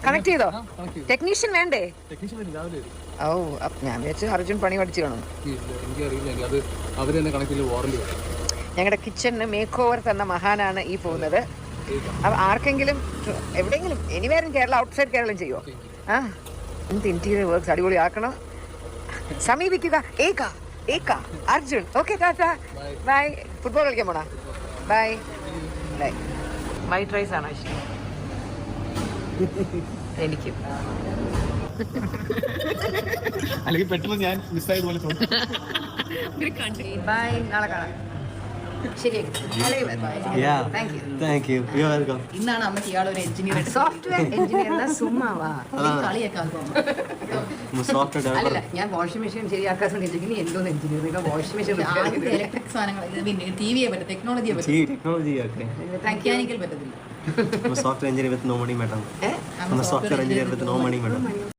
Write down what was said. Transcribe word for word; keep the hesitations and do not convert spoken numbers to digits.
Connect ചെയ്തോ? Technician വേണ്ടേ? ഓ ഞാൻ വിചാരിച്ചു അർജുൻ പണി പഠിച്ചു കാണും. ഞങ്ങളുടെ കിച്ചണിന് മേക്ക് ഓവർ തന്ന മഹാനാണ് ഈ പോകുന്നത്. അപ്പൊ ആർക്കെങ്കിലും എവിടെയെങ്കിലും എനിവേറും കേരള ഔട്ട്സൈഡ് കേരളം ചെയ്യുമോ? ആ എന്ത് ഇന്റീരിയർ വർക്ക്സ് അടിപൊളി ആക്കണം. സമീപിക്കുക. ഏക ഏക Arjun. Okay tata bye. Football കളിക്കാൻ പോണാ? Bye bye. വൈറ്റ് റൈസ് ആണോ ഇഷ്ടം? എനിക്ക് അല്ലെങ്കിൽ പെട്ടെന്ന് ഞാൻ മിസ്സായതുപോലെ തോന്നി. ബൈ, നാളെ കാണാം. ഇന്നാണ് അമ്മയ്ക്ക് ഇയാളൊരു എഞ്ചിനീയർ. സോഫ്റ്റ്വെയർ എഞ്ചിനീയർ സുമ്മാവാ കളിയൊക്കെ അല്ല. ഞാൻ വാഷിംഗ് മെഷീൻ ശരിയാക്കാൻ ശ്രമിച്ചെങ്കിൽ എന്തോന്ന് എഞ്ചിനീയർ വാഷിംഗ് മെഷീൻ ഇലക്ട്രിക് സാധനങ്ങൾ ടി വിയെ പറ്റും, ടെക്നോളജിയെ പറ്റും, മെക്കാനിക്കൽ പറ്റത്തില്ല. software engineer with no money, madam. Eh? I'm a software engineer with no money, madam.